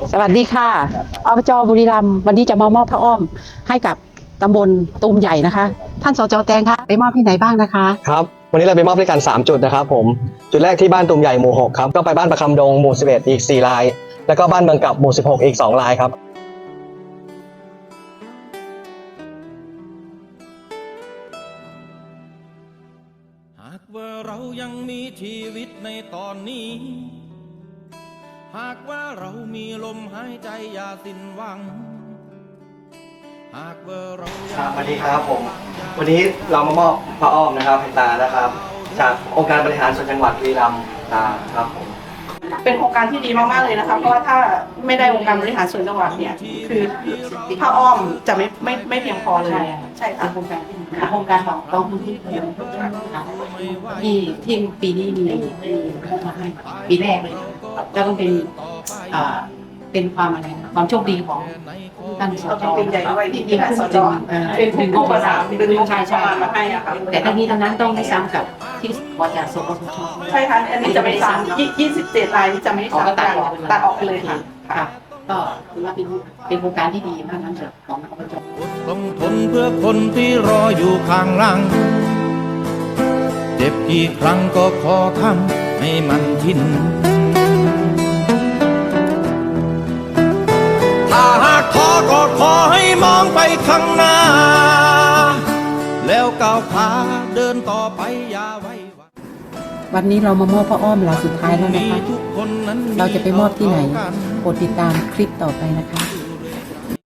สวัสดีค่ะอบจบุรีรัมย์วันนี้จะมามอบผ้าอ้อมให้กับตำบลตูมใหญ่นะคะท่านสจ.แตงคะไปมอบที่ไหนบ้างนะคะครับวันนี้เราไปมอบด้วยกัน3จุดนะครับผมจุดแรกที่บ้านตุ่มใหญ่หมู่6ครับก็ไปบ้านประคำดงหมู่11อีก4รายแล้วก็บ้านเมืองกับหมู่16อีก2รายครับหากว่าเรายังมีชีวิตในตอนนี้หากว่าเรามีลมหายใจอย่าสิ้นหวังหากว่าเราครับสวัสดีครับผมวันนี้เรามามอบผ้าอ้อมนะครับให้ตานะครับจากองค์การบริหารส่วนจังหวัดบุรีรัมย์ตาครับผมเป็นโครงการที่ดีมากๆเลยนะคะเพราะว่าถ้าไม่ได้องค์การบริหารส่วนจังหวัดเนี่ยคือผ้าอ้อมจะไม่เพียงพอเลยใช่ค่ะโครงการที่โครงการของกองทุนที่ปีนี้มีมาให้ปีแรกเลยแล้วก็เป็นความอะไรนะความโชคดีของท่านสจ. เป็นใหญ่ด้วยที่ท่านสจ.เป็นผู้ประสานดึงงบประมาณมาให้อะค่ะแต่ทั้งนี้ทั้งนั้นต้องไม่ซ้ำกับที่วาจาสปสช. ใช่ค่ะอันนี้จะไม่ซ้ำ27 รายที่จะไม่ซ้ำกันตัดออกไปเลยค่ะก็ถือว่าเป็นโครงการที่ดีมากนั้นเถอะของอบจ. ต้องทนเพื่อคนที่รออยู่ข้างหลังเจ็บกี่ครั้งก็ขอทำให้มันชินถ้าหากท้อก็ขอให้มองไปข้างหน้าแล้วก้าวขาเดินต่อไปอย่าไว้วันนี้เรามามอบผ้าอ้อมเราสุดท้ายแล้วนะคะเราจะไปมอบที่ไหนโปรดติดตามคลิปต่อไปนะคะ